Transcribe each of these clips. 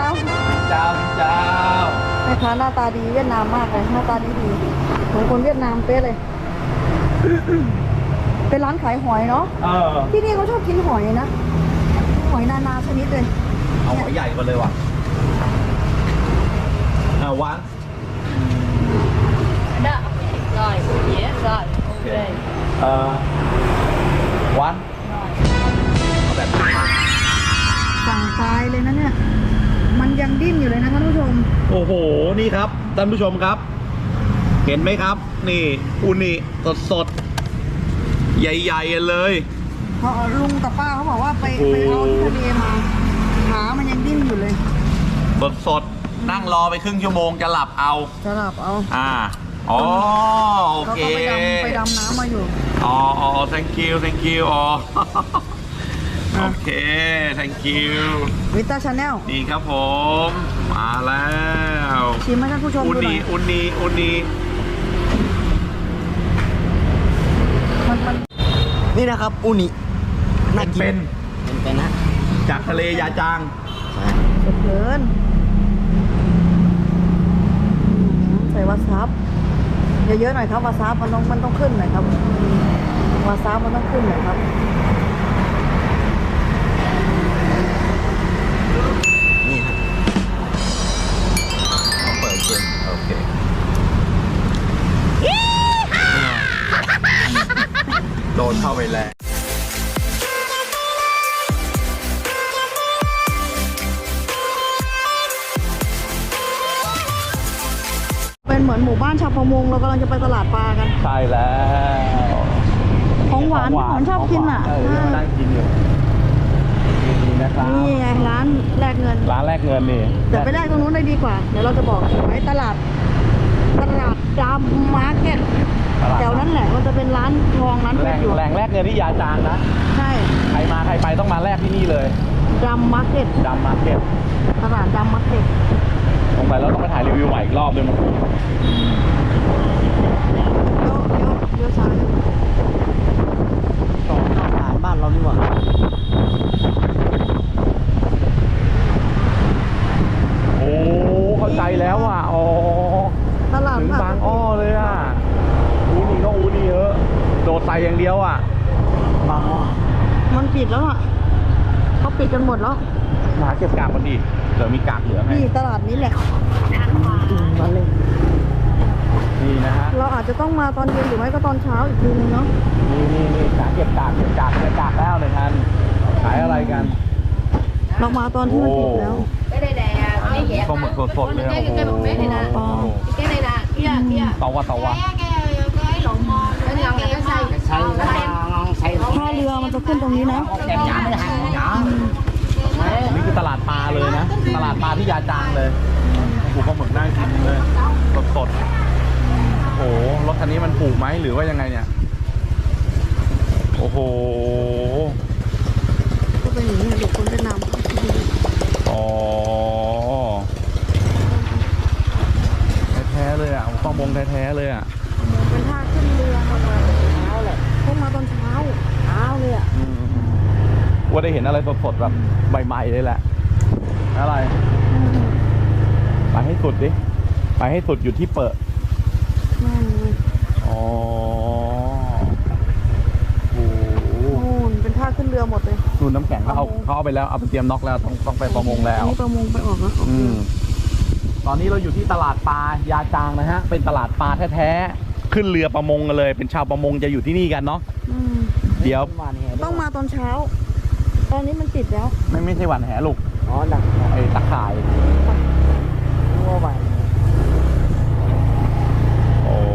เจ้าแม่ค้าหน้าตาดีเวียดนามมากเลยหน้าตาดีเหมือนคนเวียดนามเป๊ะเลย เป็นร้านขายหอยเนาะที่นี่เขาชอบกินหอยนะหอยนานาชนิดเลยเอาหอยใหญ่มาเลยว่ะวัน Đó, rồi, dễ rồi, ok. วันแบบสั่งตายเลยนะเนี่ยมันยังดิ้นอยู่เลยนะท่านผู้ชมโอ้โหนี่ครับท่านผู้ชมครับ เห็นไหมครับ นี่อูนิสดๆใหญ่ๆเลยเพราะลุงกับป้าเขาบอกว่าไปเอาที่ทะเลมาขามันยังดิ้นอยู่เลยสดๆนั่งรอไปครึ่งชั่วโมงจะหลับเอาจะหลับเอาอ๋อโอเขาเคก็ไปดำน้ำมาอยู่อ๋อ thank you อ๋อ โอเค thank you วิต้าชาแนลนี่ครับผมมาแล้วชิมให้ท่านผู้ชมอุดูหน่นีอยอุนีอุนีมันนี่นะครับอูนิน่ากิน เป็นนะจากทะเลยาจางสดเกินใส่วาซาบเยอะๆหน่อยครับวาซาบมันต้องขึ้นหน่อยครับวาซาบมันต้องขึ้นหน่อยครับนี่ครับเปิดเกมโอเคโดนเข้าไปแล้วเป็นเหมือนหมู่บ้านชาวประมงเรากำลังจะไปตลาดปลากันใช่แล้วของหวานที่ผมชอบกินอ่ะนั่งกินอยู่นี่นะครับนี่ไงร้านแลกเงินร้านแรกเงินนี่เดี๋ยวไปแลกตรงนู้นได้ดีกว่า เดี๋ยวเราจะบอกไว้ตลาดดำมาร์เก็ตแถวนั้นแหละมันจะเป็นร้านทองร้านเพชรอยู่แหล่งแรกเงินที่ยาจางนะใช่ใครมาใครไปต้องมาแรกที่นี่เลยดำมาร์เก็ตดำมาร์เก็ตตลาดดำมาร์เก็ตลงไปแล้วต้องไปถ่ายรีวิวใหม่อีกรอบเลยมั้งเลี้ยวซ้ายต่อข้าวสารบ้านเรานี่หว่าโอ้เข้าใจแล้วอ่ะอ๋อตลาดถึงบางอ้อเลยอ่ะอูนี่ก็อูนี่เยอะโดดใส่อย่างเดียวอ่ะบางอ้อมันปิดแล้วอ่ะเขาปิดกันหมดแล้วมาเก็บกากมันดีเดี๋ยวมีกากเหลือให้นี่ตลาดนี้แหละมาเลยนี่นะฮะเราอาจจะต้องมาตอนเย็นหรือไม่ก็ตอนเช้าอีกทีนึงเนาะนี่กากเก็บกากแล้วเลยท่านขายอะไรกันเรามาตอนที่มันปิดแล้ว Cái đây nè, cái dẹp ปลาหมึกสดๆเลย cái một mét này nè. ปลา Cái này nè, kia. ตะวะ Cái lộn mò, cái ngon là cái xay. ใส่ลองใส่ท่าเรือมันจะขึ้นตรงนี้นะแกมหยาไม่ได้หั่นหยานี่คือตลาดปลาเลยนะ ตลาดปลาที่ยาจางเลยผูกปลาหมึกน่ากินเลยสดๆโอ้โหรถคันนี้มันผูกไหมหรือว่ายังไงเนี่ยโอ้โหก็เป็นอย่างนี้เด็กคนเวียดนามอ๋อแท้ๆเลยอ่ะปลามงแท้ๆเลยอ่ะเป็นท่าขึ้นเรือมาตอนเช้าแหละพวกมาตอนเช้าเลยอ่ะว่าได้เห็นอะไรสดๆแบบใหม่ๆเลยแหละอะไร ไปให้สุดดิ ไปให้สุดอยู่ที่เปิดนั่นเลยอ๋อโอ้โหนู่นเป็นท่าขึ้นเรือหมดเลยนู่นน้ำแข็งเขาเอาไปแล้วเอาไปเตรียมน็อกแล้วต้องไปประมงแล้วนี่ประมงไปออกแล้วตอนนี้เราอยู่ที่ตลาดปลายาจางนะฮะ เป็นตลาดปลาแท้ๆ ขึ้นเรือประมงกันเลย เป็นชาวประมงจะอยู่ที่นี่กันเนาะ เดี๋ยวต้องมาตอนเช้า ตอนนี้มันปิดแล้วไม่ใช่หวันแหลูกอ๋อดักไอ้ตะข่ายนัวไปโอ้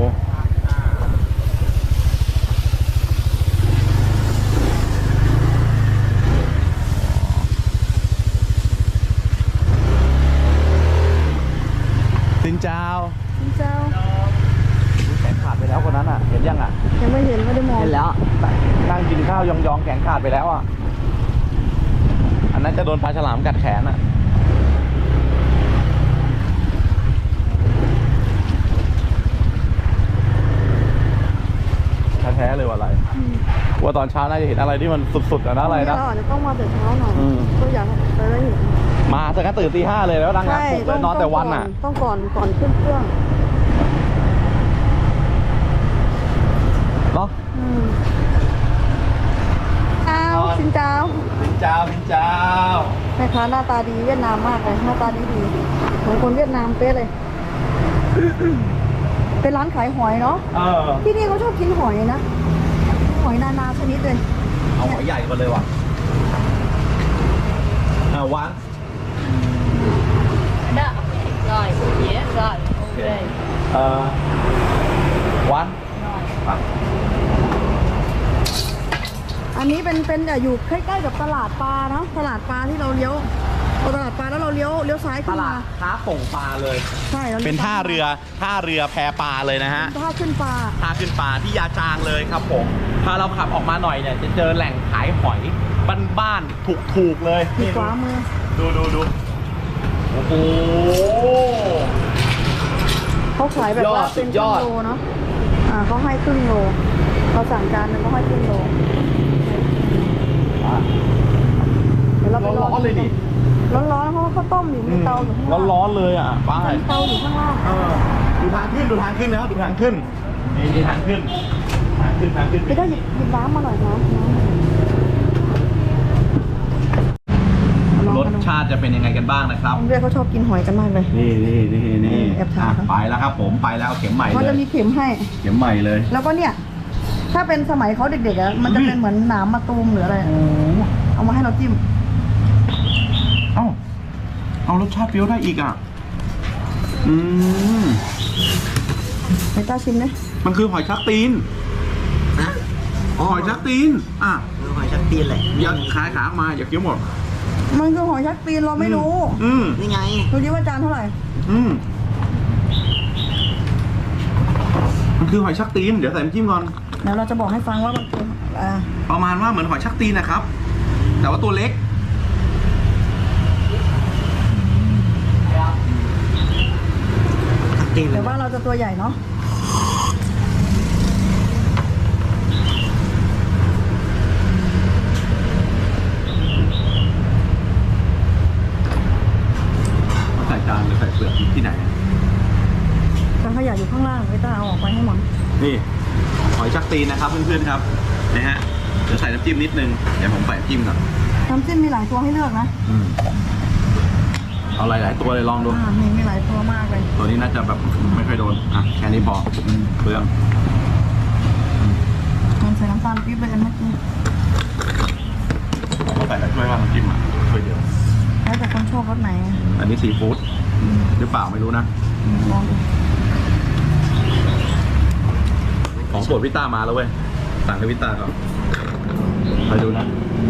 สินเจ้าเจ้าแขนขาดไปแล้วคนนั้นอ่ะ เห็นยังอ่ะยังไม่เห็นไม่ได้มองเห็นแล้วนั่งกินข้าวยองๆแขนขาดไปแล้วอ่ะ อันนั้นจะโดนปลาฉลามกัดแขนอ่ะ แท้ๆเลยว่าอะไร ว่าตอนเช้าน่าจะเห็นอะไรที่มันสุดๆอะนะอะไรนะเราอาจจะต้องมาแต่เช้าหน่อยอืมก็อยากจะได้เห็นมาเสร็จก็ตื่นตี 5เลยแล้วดังงานใช่ปลุกเลยนอนแต่วันอ่ะต้องก่อนขึ้นเครื่องเนาะอ้าวสินเจ้าพินเจ้าพินเจ้าแม่ค้าหน้าตาดีเวียดนามมากเลยหน้าตาดีเหมือนคนเวียดนามเป๊ะเลย เป็นร้านขายหอยเนาะ ที่นี่เขาชอบกินหอยนะ หอยนานาชนิดเลยเอาหอยใหญ่มาเลยว่ะวาง Đó. Rồi, dĩa rồi. Ok. วันอันนี้เป็นอยู่ใกล้ๆกับตลาดปลาเนาะตลาดปลาที่เราเลี้ยวพอตลาดปลาแล้วเราเลี้ยวซ้ายตขึ้นลามาดค้าส่งปลาเลยใช่เราเป็นท่าเรือแพปลาเลยนะฮะท่าขึ้นปลาท่าขึ้นปลาที่ยาจางเลยครับผมถ้าเราขับออกมาหน่อยเนี่ยจะเจอแหล่งขายหอยบ้านๆถูกๆเลยมีขวามือดูโอ้โหเขาขายแบบว่าสุเป็นดยครึ่อง ดโลเนาะเขาให้ครึ่งโลเราสั่งจานหนึงเขาให้ครึ่งโลเดี๋ยวเราไปร้อนๆเลยดิร้อนๆเพราะว่าข้าวต้มอยู่มีเตาอยู่ข้างล่างร้อนๆเลยอ่ะป้ามีเตาอยู่ข้างล่างดูทางขึ้นนะครับดูทางขึ้นนี่ทางขึ้นพี่ได้หยิบน้ำมาหน่อยนะรสชาติจะเป็นยังไงกันบ้างนะครับเรียกเขาชอบกินหอยกันมากเลยนี่แอบถามไปแล้วครับผมไปแล้วเข็มใหม่เขาเลจะยมีเข็มให้เข็มใหม่เลยแล้วก็เนี่ย ถ้าเป็นสมัยเขาเด็กๆอะมันจะเป็นเหมือนหนามมะตูมหรืออะไรอะเอามาให้เราจิ้มเอารสชาติเปรี้ยวได้อีกอ่ะไปต้าชิมดิมันคือหอยชักตีนนะหอยชักตีนหอยชักตีนแหละอย่าขายขาออกมาอย่าเคี้ยวหมดมันคือหอยชักตีนเราไม่รู้นี่ไงดูดิว่าจานเท่าไหร่มันคือหอยชักตีนเดี๋ยวใส่น้ำจิ้มก่อนเดี๋ยวเราจะบอกให้ฟังว่ามันคือประมาณว่าเหมือนหอยชักตีนนะครับ แต่ว่าตัวเล็กชักตีนเลแต่ยว่าเราจะตัวใหญ่เนาะใส่จานหรือใส่เปลือกที่ไหนจานขยะอยู่ข้างล่างไปต้าเอาออกไปให้หมดนี่หอยชักตีนนะครับเพื่อนๆครับนะฮะเดี๋ยวใส่น้ำจิ้มนิดนึงเดี๋ยวผมใส่น้ำจิ้มก่อนน้ำจิ้มมีหลายตัวให้เลือกนะเอาหลายๆตัวเลยลองดูมีหลายตัวมากเลยตัวนี้น่าจะแบบไม่ค่อยโดนแค่นี้พอเปลืองมันใส่น้ำตาลปี๊บไปเมื่อกี้เราใส่แต่ช่วยว่าน้ำจิ้มช่วยเดียวแล้วแต่คนชอบรสไหนอันนี้ซีฟู้ดหรือเปล่าไม่รู้นะลองดูของโปรดพี่ต้ามาแล้วเว้ยสั่งให้พี่ต้าก่อนไปดูนะ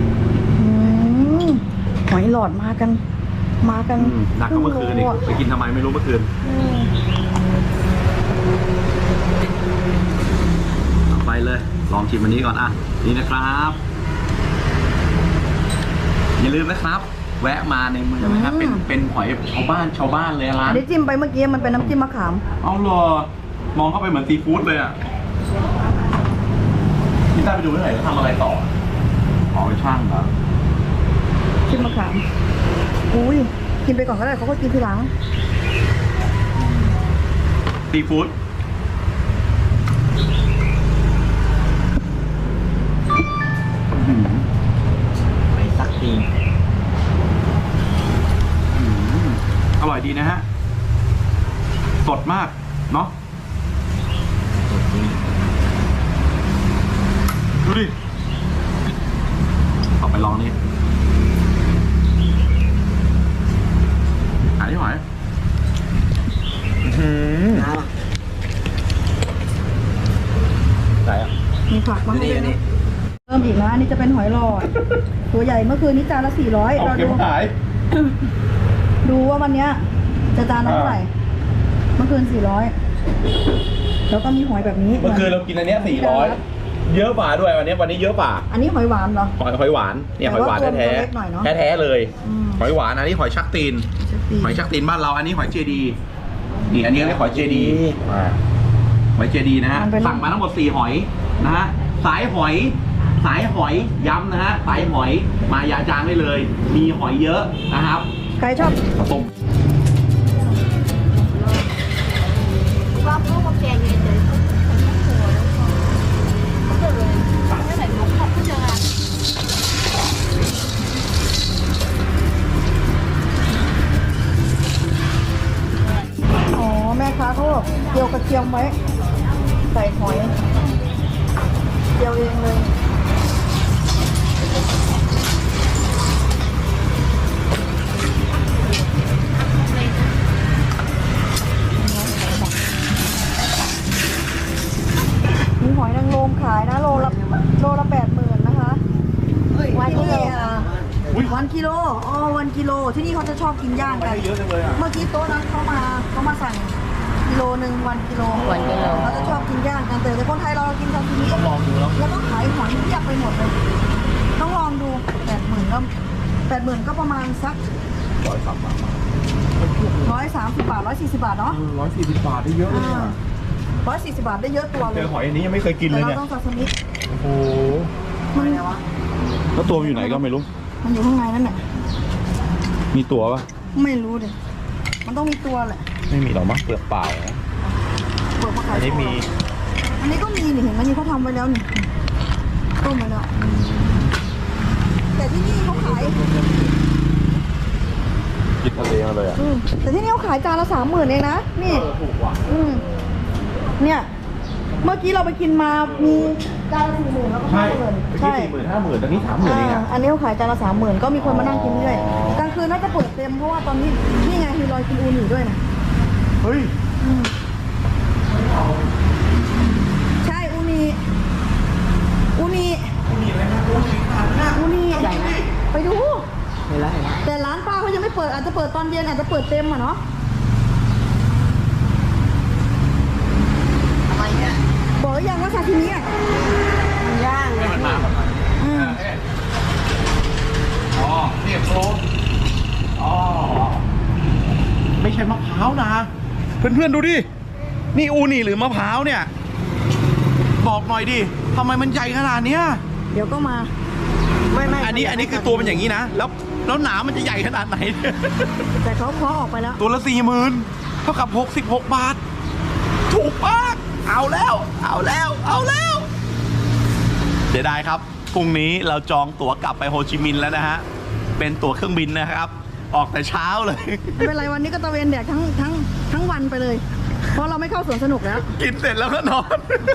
หอยหลอดมากันหนักกว่าเมื่อคืนอีกไปกินทำไมไม่รู้เมื่อคืนไปเลยลองชิมอันนี้ก่อนนี่นะครับอย่าลืมนะครับ แวะมาในเมืองนะครับเป็นหอยชาวบ้านเลยร้าอันนนี้จิ้มไปเมื่อกี้มันเป็นน้ำจิ้มมะขามเอาเหรอมองเข้าไปเหมือนซีฟู้ดเลยอ่ะพี่ต้าไปดูที่ไหนเขาทำอะไรต่อไปช่างเหรอจิ้มมะขามอุ้ยกินไปก่อนก็ได้เขาก็กินทีหลังซีฟู้ดหอยชักตีนอร่อยดีนะฮะสดมากเนาะดูดิต่อไปลองนี่หาที่หอยไหนอ่ะมีผักมาให้ด้วยนะเริ่มอีกนะอันนี้จะเป็นหอยหลอด ตัวใหญ่เมื่อคืนนี้จานละ400 เอาเราเก็บขายดูว่าวันเนี้ยจะจานละเท่าไหร่ เมื่อคืน400แล้วก็มีหอยแบบนี้เมื่อคืนเรากินอันเนี้ย400เยอะป่าด้วยวันนี้เยอะป่าอันนี้หอยหวานเหรอหอยหวานเนี่ยหอยหวานแต่ว่าตัวแท้เล็กหน่อยเนอะแท้ๆเลยอืมหอยหวานอันนี้หอยชักตีน หอยชักตีนบ้านเราอันนี้หอยเจดีนี่อันนี้เรียกหอยเจดีหอยเจดีนะฮะสั่งมาทั้งหมด4หอยนะฮะสายหอยย้ำนะฮะสายหอยมายาจางได้เลย มีหอยเยอะนะครับใครชอบต้มว่าพวกมาแกงเฉยๆก็เลยไม่ไหนลูกเขาก็จะอ๋อแม่ค้าเขาเจียวกระเทียมไว้ใส่หอยเจียวเองเลยมีหอยนางรมขายนะโลละ80,000นะคะวันนี้วันกิโลอ๋อวันกิโลที่นี่เขาจะชอบกินย่างกันเยอะจังเลยอ่ะเมื่อกี้โต๊ะนั้นเขามาสั่งกิโลหนึ่งวันกิโลวันกิโลเขาจะชอบกินย่างกันแต่คนไทยเรากินซาซิมิต้องลองดูแล้วแล้วก็ขายหอยเพียบไปหมดเลยต้องลองดู80,000ก็80,000ก็ประมาณสัก 130 บาท 130 บาท140 บาทเนาะ 140 บาทได้เยอะเลย 140 บาทได้เยอะตัวเลเจยอหอยอันนี้ยังไม่เคยกินเลแต่ยเราเนี่ยต้องซาซิมิโอ้โหมันแล้วตัวมันอยู่ไหนก็ไม่รู้มันอยู่ข้างในนั่นแหละมีตัวปะไม่รู้ดิมันต้องมีตัวแหละไม่มีหรอกมั้งเปลือกเปล่านะเปิดมาขายอันนี้มีอันนี้ก็มีนี่เห็นไหมนี่เขาทำไว้แล้วนี่ต้มไว้แล้วแต่ที่นี่เขาขายกินทะเลมาเลยอ่ะแต่ที่นี่เขาขายจานละ30,000เองนะนี่ถูกว่ะเนี่ย เมื่อกี้เราไปกินมามีจานละ40,000แล้วก็ใช่ 50,000 เมื่อกี้40,000 50,000ตอนนี้30,000เองอ่ะอันนี้เขาขายจานละ30,000ก็มีคนมานั่งกินเรื่อยอ๋อกลางคืนน่าจะเปิดเต็มเพราะว่าตอนนี้นี่ไงมีรอยกินอูนิด้วยนะเฮ้ยใช่อูนิอูนิอูนิใหญ่นะไปดูเห็นแล้วเห็นแล้วแต่ร้านป้าเขายังไม่เปิดอาจจะเปิดตอนเย็นอาจจะเปิดเต็มอ่ะเนาะทำไมเนี่ยบอกหรือยังว่าซาชิมิอ่ะมันย่างเลยอืมอ๋อนี่โคลอ๋อไม่ใช่มะพร้าวนะ เพื่อนๆดูดิ นี่อูนี่หรือมะพร้าวเนี่ย บอกหน่อยดิทำไมมันใหญ่ขนาดเนี้ยเดี๋ยวก็มาไม่อันนี้คือตัวมันอย่างนี้นะ แล้วหนามันจะใหญ่ขนาดไหนแต่เขาเคาะออกไปแล้วตัวละ 40,000 เท่ากับ66 บาท ถูกมากเอาแล้ว เอาแล้ว เอาแล้วเสียดายครับ พรุ่งนี้เราจองตั๋วกลับไปโฮจิมินห์แล้วนะฮะ เป็นตั๋วเครื่องบินนะครับ ออกแต่เช้าเลยไม่เป็นไรวันนี้ก็ตะเวนแดกทั้งวันไปเลย เพราะเราไม่เข้าสวนสนุกแล้วกินเสร็จแล้วก็นอน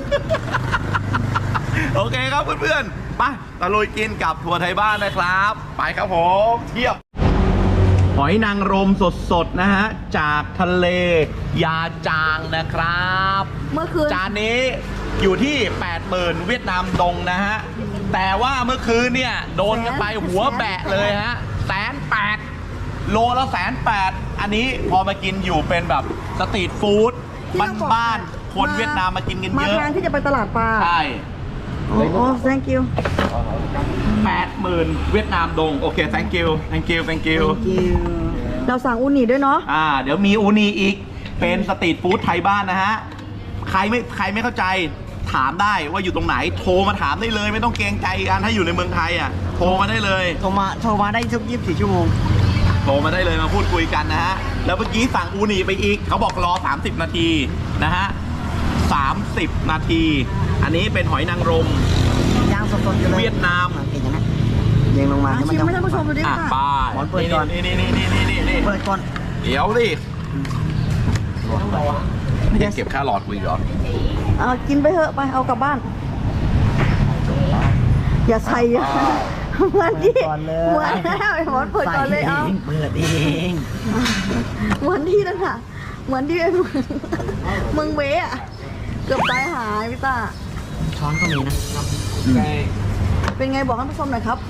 โอเคครับเพื่อนๆไปตะลุยกินกับทัวร์ไทยบ้านนะครับ ไปครับผมเทียบ หอยนางรมสดๆนะฮะ จากทะเลยาจางนะครับเมื่อคืนจานนี้อยู่ที่ 80,000 เวียดนามดงนะฮะ แต่ว่าเมื่อคืนเนี่ย โดนกันไปหัวแบะเลยฮะ180,000 โลละ180,000 อันนี้พอมากินอยู่เป็นแบบสตรีทฟู้ดที่เราบอกบ้านๆคนเวียดนามมากินกันมาเยอะทางที่จะไปตลาดปลาใช่โอ้โห thank you 80,000 เวียดนามดง โอเค thank you thank you thank you เราสั่งอูนิด้วยเนาะเดี๋ยวมีอูนีอีก เป็นสตรีทฟู้ดไทยบ้านนะฮะ ใครไม่เข้าใจถามได้ว่าอยู่ตรงไหน โทรมาถามได้เลย ไม่ต้องเกรงใจกันถ้าอยู่ในเมืองไทยอ่ะ โทรมาได้เลยโทรมาได้ทุก24 ชั่วโมงโทรมาได้เลยมาพูดคุยกันนะฮะ แล้วเมื่อกี้สั่งอูนีไปอีก เขาบอกรอ 30 นาทีนะฮะ 30 นาที อันนี้เป็นหอยนางรมย่างสดๆอยู่เลยเวียดนามเห็นไหมเรียงลงมาให้มันชิมให้ท่านผู้ชมดูดิอ่ะค่ะไปหมอนเปิดก่อนนี่เปิดก่อนเดี๋ยวดิยังเก็บค่าหลอดคุยก่อนเอากินไปเถอะไปเอากลับบ้าน อย่าใส่เยอะเหมือนที่ก่อนเลยเหมือนแล้วไอ้หมอนเปิดก่อนเลยเอาเปิดเองเหมือนที่นั่นค่ะ เหมือนที่ไอ้เมืองเวอะเกือบตายหายพี่ตาช้อนก็มีนะเป็นไงบอกท่านผู้ชมหน่อยครับ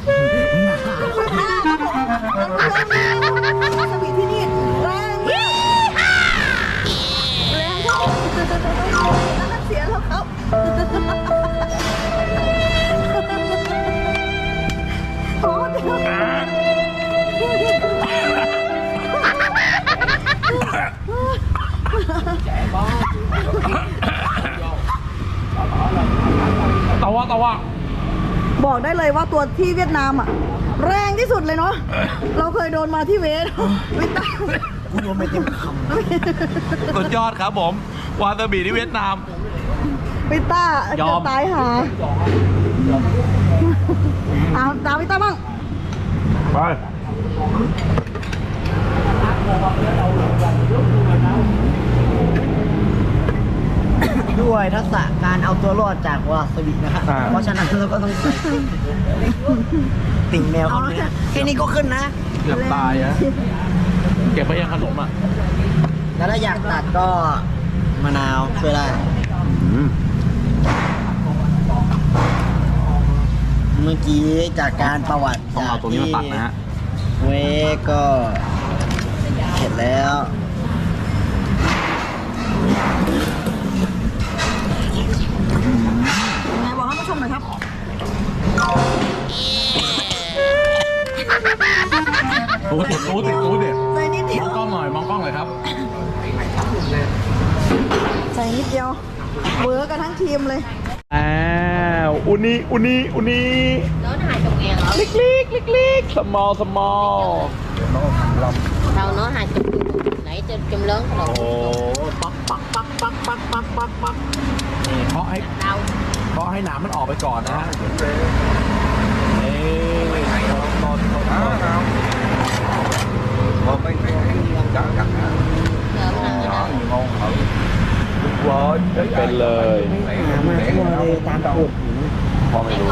ท่านผู้ชมสวีทที่นี่แรงมากแรงครับแล้วเสียแล้วครับโอ้เดี๋ยวตะวะบอกได้เลยว่าตัวที่เวียดนามอ่ะแรงที่สุดเลยเนาะ เราเคยโดนมาที่เวทวิต้ากูโดนไปเต็มคสุดยอดครับผม วาซาบิที่เวียดนามวิต้ายอจะมตายหาเอาตามวิต้าบ้างไปำด้วยทักษะการเอาตัวรอดจากวาซาบินะครับ เพราะฉะนั้นเราก็ต้องใส่ติ่งแมวเขาเนี่ยแค่นี้ก็ขึ้นนะเกือบตายอะเก็บไปยังขนมอ่ะแล้วถ้าอยากตัดก็มะนาวช่วยได้ เมื่อกี้จากการประวัติต้องเอาตัวนี้มาตัดนะฮะเวก็เสร็จแล้วยังไงบอกท่านผู้ชมหน่อยครับรู้สิรู้สิใส่นิดเดีมยอวงกล้องหน่อย มองกล้องหน่อยครับใส่นิดเดียวเวิร์กกันทั้งทีมเลยอ้าวอุนี nó hai chục ngàn rồi เล็ก small đâu nó 20 nãy chum lớn โอ้ rồi ปักนี่เคาะให้ đâu เคาะให้หนามมันออกไปก่อนนะฮะเอ้ยตอนว้าวเป็นเลยมาทั่วเลยตามกฎพอไม่ để รู้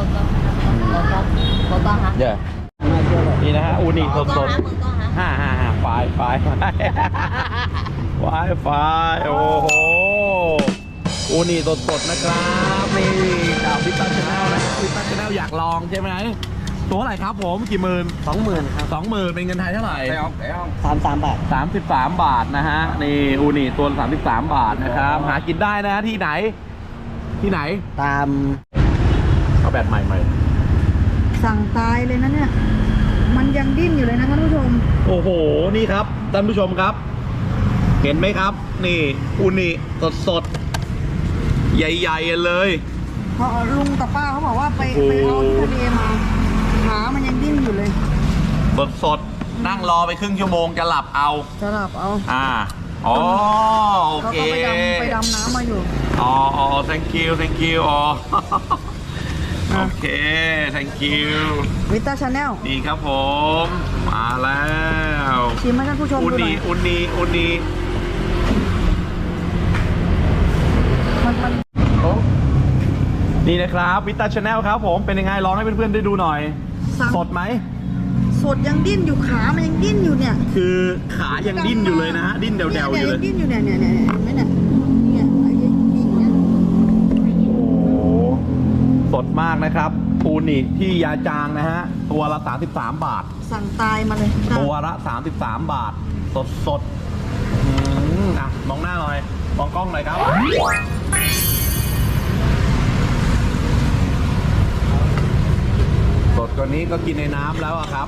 con con hả เย่นี่นะฮะอูนิส con ด hả ๆ555ไฟโอ้โหอูนิสดๆนะครับนี่จากพิซซ่าชาแนลนะพิซซ่าชาแนลอยากลองใช่ไหมตัวอะไรครับผมกี่หมื่น 20,000ครับ 20,000เป็นเงินไทยเท่าไหร่ 33 บาท 33 บาทนะฮะนี่อูนิตัว33 บาทนะครับหากินได้นะที่ไหนตามเอาแบบใหม่สั่งตายเลยนะเนี่ย มันยังดิ้นอยู่เลยนะท่านผู้ชมโอ้โหนี่ครับท่านผู้ชมครับ เห็นไหมครับ นี่อูนิสดๆใหญ่ๆเลยเพราะลุงกับป้าเขาบอกว่าไปโอ้โหเอาที่ทะเลมาขามันยังดิ้นอยู่เลยสดๆนั่งรอไปครึ่งชั่วโมงจะหลับเอาจะหลับเอาอ๋อโอเขาเคก็ไปดำน้ำมาอยู่อ๋อ thank you อ๋อ โอเค thank you วิต้าชาแนลนี่ครับผม มาแล้วชิมให้ท่านผู้ชมอุดูหน่นีอยอุนีมันนี่นะครับวิตาชาแนลครับผมเป็นยังไงลองให้เพื่อนๆได้ดูหน่อยสั่งสดไหมสดยังดิ้นอยู่ขามันยังดิ้นอยู่เนี่ยคือขายังดิ้นอยู่เลยนะฮะ ดิ้นเดวๆอยู่เลยงดิ้นอยู่เนี่ยเห็นไหมเนี่ยเนี่ยไอ้ดิ้นอย่างเงี้ยโอ้โหสดมากนะครับปูนิที่ยาจางนะฮะ ตัวละ33 บาทสั่งตายมาเลยตัวละ33 บาท สดอ่ะมองหน้าหน่อย มองกล้องหน่อยครับ สดกว่านี้ก็กินในน้ำแล้วอะครับ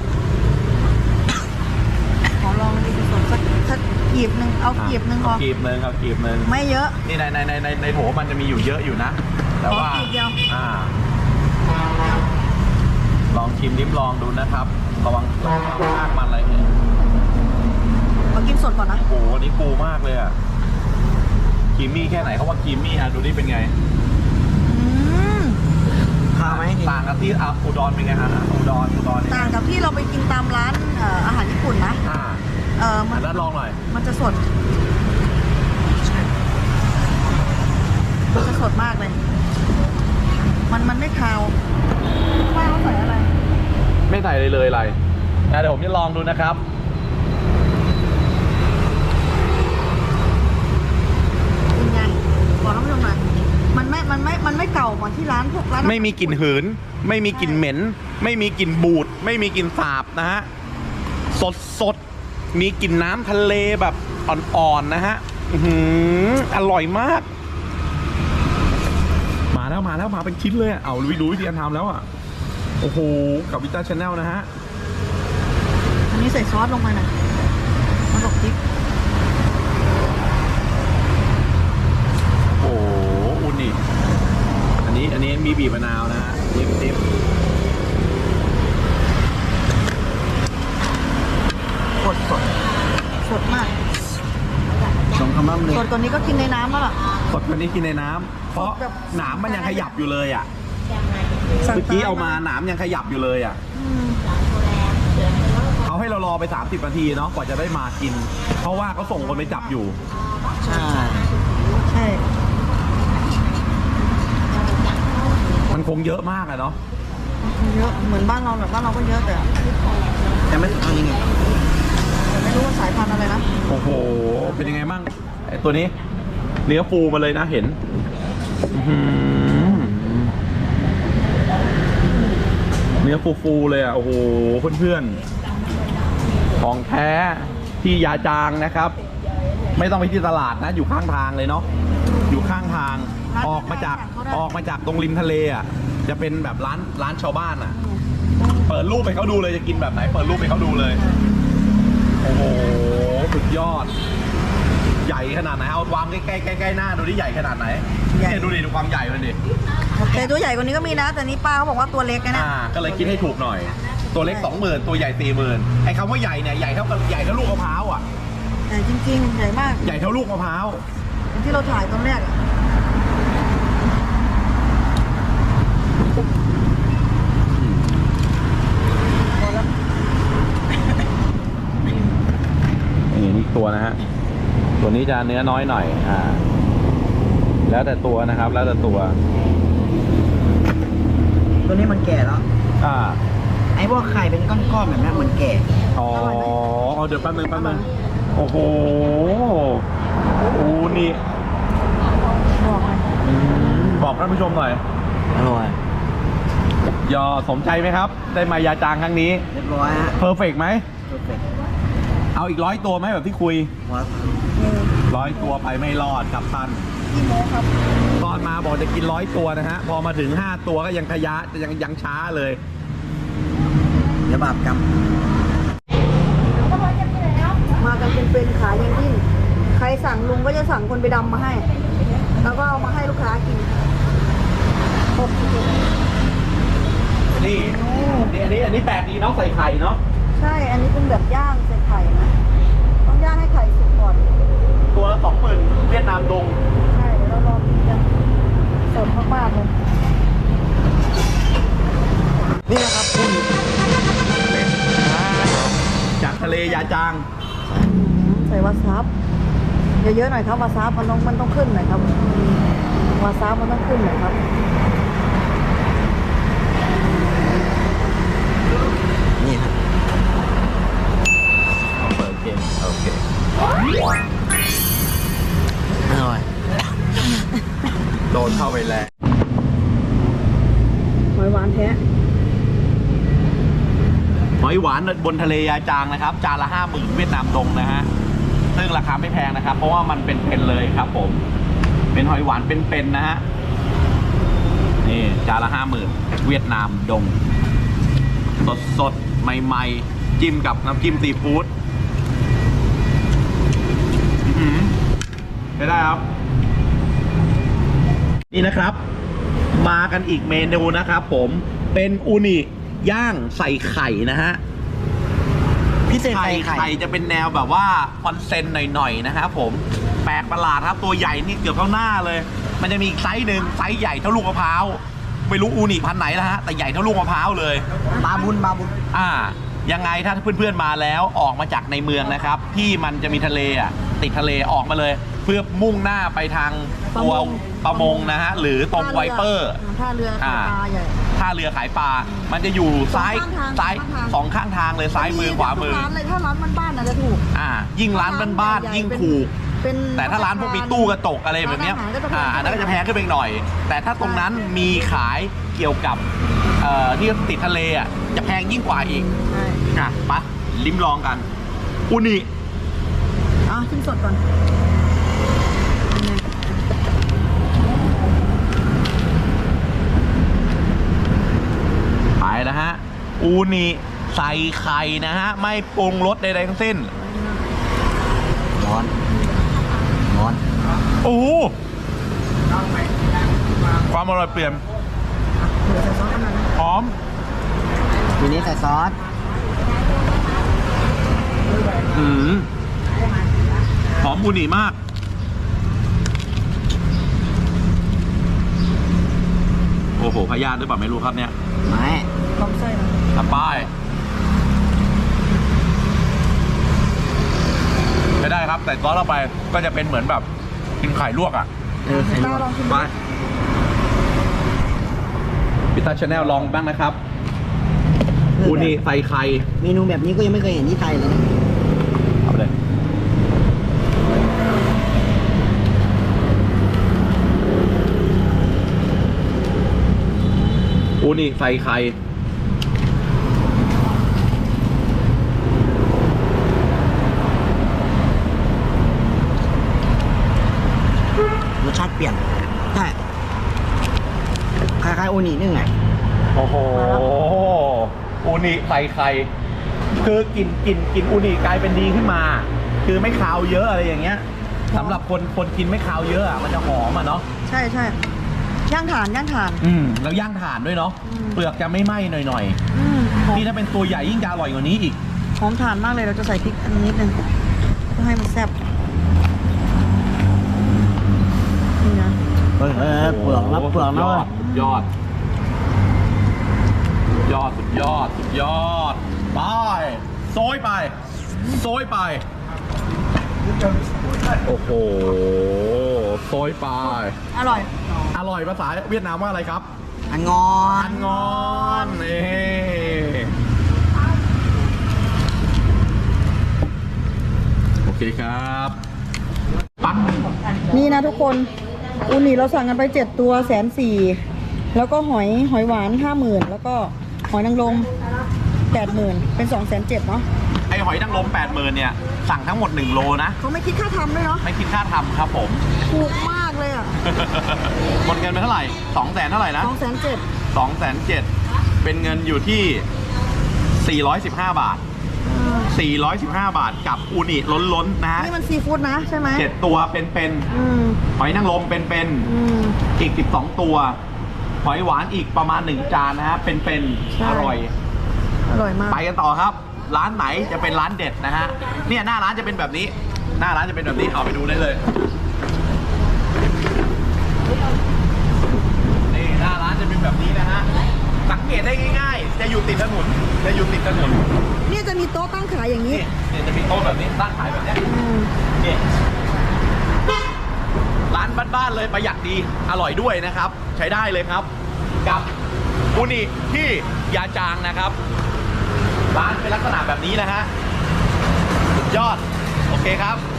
ขอลองดิสดสักกีบหนึ่งเอากีบหนึ่งพอเอากีบหนึ่งไม่เยอะนี่ในโถมันจะมีอยู่เยอะอยู่นะ แต่ว่าขอกีบเดียวลองชิมลิ้มลองดูนะครับระวังมากมันอะไรเนี่ยมากินสดก่อนนะโอ้โหอันนี้ปูมากเลยอ่ะครีมมี่แค่ไหนเขาว่าครีมมี่ดูนี่เป็นไงอืมข้าวไหมต่างกับที่อุดรเป็นไงฮะอุดรต่างกับที่เราไปกินตามร้านอาหารญี่ปุ่นนะ มัอันนนั้นลองหน่อยมันจะสดมากเลย มันไม่คาวป้าเขาใส่อะไรไม่ใส่เลยอะไรเดี๋ยวผมจะลองดูนะครับเป็นไงบอกท่านผู้ชมหน่อยมันไม่เก่าเหมือนที่ร้านพวกร้านไม่มีกลิ่นหืน ไม่มีกลิ่นเหม็น ไม่มีกลิ่นบูด ไม่มีกลิ่นสาบนะฮะ สดมีกลิ่นน้ำทะเลแบบอ่อนๆนะฮะอร่อยมาก มาแล้วมาเป็นชิ้นเลยเอาดูวิธีการทำแล้วอ่ะ โอ้โห กับวิต้าชาแนลนะฮะอันนี้ใส่ซอสลงไปหน่อยมันบอกพริกโอ้โหอุ่นนี่อันนี้มีบีบมะนาวนะฮะดิบสดสดมากสมคำล่ำเลยสดกว่านี้ก็กินในน้ำแล้วล่ะสดกว่านี้กินในน้ำเพราะแบบหนามมันยังขยับอยู่เลยอ่ะสั่งเมื่อกี้ตเอามาหนามยังขยับอยู่เลยอ่ะอืมเขาให้เรารอไป30 นาทีเนาะกว่าจะได้มากิน เพราะว่าเขาส่งคนไปจับอยู่ใช่ใช่มันคงเยอะมากอะเนาะเยอะเหมือนบ้านเราแบบบ้านเราก็เยอะแต่แต่ไม่เอายังไงไม่รู้ว่าสายพันธุ์อะไรนะโอ้โหเป็นยังไงบ้างไอ้ตัวนี้เนื้อฟูมาเลยนะเห็นอื้อหือเนื้อฟูๆเลยอ่ะโอ้โหเพื่อนๆของแท้ที่ยาจางนะครับ ไม่ต้องไปที่ตลาดนะอยู่ข้างทางเลยเนาะอยู่ข้างทางออกมาจากตรงริมทะเลอ่ะจะเป็นแบบร้านชาวบ้านอ่ะ เปิดรูปไปเขาดูเลยจะกินแบบไหนเปิดรูปไปเขาดูเลยโอ้โหสุดยอด ใหญ่ขนาดไหนเอาวางใกล้ๆหน้าดูที่ใหญ่ขนาดไหนเนี่ยดูดิดูความใหญ่มันดิแต่ตัวใหญ่กว่านี้ก็มีนะ แต่นี่ป้าเขาบอกว่าตัวเล็กนะเนี่ยก็เลยคิดให้ถูกหน่อย ตัวเล็ก 20,000 ตัวใหญ่ 40,000ไอ้คำว่าใหญ่เนี่ยใหญ่เท่าลูกมะพร้าวอ่ะใหญ่จริงๆ ใหญ่มากใหญ่เท่าลูกมะพร้าวที่เราถ่ายตอนแรกอะนี่ตัวนะฮะตัวนี้จะเนื้อน้อยหน่อยแล้วแต่ตัวนะครับแล้วแต่ตัวตัวนี้มันแก่แล้วอ่าไอ้พวกไข่เป็นก้อนๆแบบนี้มันแก่อ๋อเอาเดี๋ยวแป๊บนึงโอ้โหอูนี่บอกเลยบอกท่านผู้ชมหน่อยอร่อยยอสมใจไหมครับ ได้มายาจางครั้งนี้เรียบร้อยฮะเพอร์เฟกต์ไหมเพอร์เฟกต์เอาอีก100 ตัวไหมแบบที่คุยว้าว 100 ตัวไปไม่รอดครับท่านพี่โมครับตอนมาบอกจะกิน100 ตัวนะฮะพอมาถึง5 ตัวก็ยังขยะยังช้าเลยเดี๋ยวบาปกรรมมากันเป็นๆขายยังดิ้นใครสั่งลุงก็จะสั่งคนไปดำมาให้ แล้วก็เอามาให้ลูกค้ากินครบทุกคนนี่อันนี้แปลกดีเนาะใส่ไข่เนาะใช่ อันนี้เป็นแบบย่างใส่ไข่นะ ต้องย่างให้ไข่สุกก่อนตัวละ 20,000 เวียดนามดงใช่เดี๋ยวเราลองกินกันสดมากๆเลยนี่นะครับคุณจากทะเลยาจางใส่วาซาบเยอะๆหน่อยครับวาซาบมันต้องขึ้นหน่อยครับวาซาบมันต้องขึ้นหน่อยครับนี่ครับเปิดเกมโอเคอร่อยโดนเข้าไปแล้วหอยหวานแท้หอยหวานบนทะเลยาจางนะครับจานละ 50,000 เวียดนามดงนะฮะซึ่งราคาไม่แพงนะครับ เพราะว่ามันเป็นเลยครับผมเป็นหอยหวานเป็นนะฮะนี่จานละ 50,000 เวียดนามดงสดใหม่ๆจิ้มกับน้ำจิ้มซีฟู้ดไม่ได้ครับนี่นะครับ มากันอีกเมนูนะครับผมเป็นอูนิย่างใส่ไข่นะฮะพิเศษใส่ไข่ไข่จะเป็นแนวแบบว่าคอนเซนหน่อยๆนะครับผมแปลกประหลาดครับตัวใหญ่นี่เกือบเท่าหน้าเลย มันจะมีอีกไซส์หนึ่งไซส์ใหญ่เท่าลูกมะพร้าวไม่รู้อูนิพันธุ์ไหนนะฮะแต่ใหญ่เท่าลูกมะพร้าวเลยบาบุญยังไงถ้าเพื่อนๆมาแล้วออกมาจากในเมืองนะครับที่มันจะมีทะเลติดทะเลออกมาเลย เพื่อมุ่งหน้าไปทางตัวประมงนะฮะหรือตรงไวเปอร์ท่าเรือปลาใหญ่ท่าเรือขายปลา มันจะอยู่ซ้ายสองข้างทางเลยซ้ายมือขวามือร้านเลยถ้าร้านบ้านๆน่ะจะถูกยิ่งร้านบ้านๆยิ่งถูกเป็นแต่ถ้าร้านพวกมีตู้กระจกอะไรแบบเนี้ยร้านอาหารก็จะแพงอันนั้นก็จะแพงขึ้นไปอีกหน่อย แต่ถ้าตรงนั้นมีขายเกี่ยวกับที่ติดทะเลจะแพงยิ่งกว่าอีกใช่ไปลิ้มลองกันอูนิชิมสดก่อนเป็นไงไปนะฮะอูนิใส่ไข่นะฮะไม่ปรุงรสใดๆทั้งสิ้นร้อนโอ้โหความอร่อยเปลี่ยนเดี๋ยวใส่ซอสกันหน่อยนะหอมทีนี้ใส่ซอสเหอมอูนิมาก โอ้โหพยาธิหรือเปล่าไม่รู้ครับเนี่ยไม่ลองไส้นะทำป้ายไม่ได้ครับแต่ซอสเข้าไปก็จะเป็นเหมือนแบบกินไข่ลวกอ่ะใส่ลตาว ลองชิมไปดูพิต้าชาแนลลองบ้างนะครับอูนิใส่ไข่เมนูแบบนี้ก็ยังไม่เคยเห็นที่ไทยเลยนะเอาไปเลยอูนิใส่ไข่รสชาติเปลี่ยนใช่คล้ายๆโอนินึ่งไงโอ้โหอูนิใส่ไข่คือกลิ่นอูนิกลายเป็นดีขึ้นมา คือไม่คาวเยอะอะไรอย่างเงี้ยสำหรับคนกินไม่คาวเยอะอะมันจะหอมอ่ะเนาะใช่ใช่ย่างถ่านย่างถ่านแล้วย่างถ่านด้วยเนาะอืมเปลือกจะไม่ไหม้หน่อยหอๆมนี่ถ้าเป็นตัวใหญ่ยิ่งจะอร่อยกว่านี้อีกหอมถ่านมากเลยเราจะใส่พริกอันนิดนึงเพื่อให้มันแซ่บนี่นะเปลือกนะเปลือกนะเว้ยสุดยอดสุดยอดไปโซยไปโอ้โหโซยไปอร่อยอร่อยภาษาเวียดนามว่าอะไรครับอันงอนอันงอนนี่โอเคครับปักนี่นะทุกคนอูนิเราสั่งกันไป7ตัว140,000แล้วก็หอยหวาน50,000แล้วก็หอยนางรม80,000เป็น270,000เนาะไอหอยนางรม80,000เนี่ยสั่งทั้งหมด1โลนะเขาไม่คิดค่าทำด้วยเนาะไม่คิดค่าทำครับผมถูกมากเลยอ่ะหมดเงินไปเท่าไหร่200,000เท่าไหร่นะ 270,000 207,000เป็นเงินอยู่ที่415 บาท415 บาทกับอูนิล้นๆนะฮะนี่มันซีฟู้ดนะใช่ไหม 7ตัวเป็นอืมหอยนางรมเป็นอืมอีก12ตัวหอยหวานอีกประมาณ1จานนะฮะเป็นใช่อร่อยอร่อยมากไปกันต่อครับ ร้านไหนจะเป็นร้านเด็ดนะฮะเนี่ยหน้าร้านจะเป็นแบบนี้ หน้าร้านจะเป็นแบบนี้เอาไปดูได้เลยนี่หน้าร้านจะเป็นแบบนี้นะฮะสังเกตได้ง่ายๆจะอยู่ติดถนนเนี่ยจะมีโต๊ะตั้งขายอย่างนี้เนี่ยจะมีโต๊ะแบบนี้ตั้งขายแบบเนี้ยอืมเนี่ยร้านบ้านๆเลยประหยัดดีอร่อยด้วยนะครับ ใช้ได้เลยครับ กับอูนิที่ยาจางนะครับ ร้านเป็นลักษณะแบบนี้นะฮะสุดยอด โอเคครับ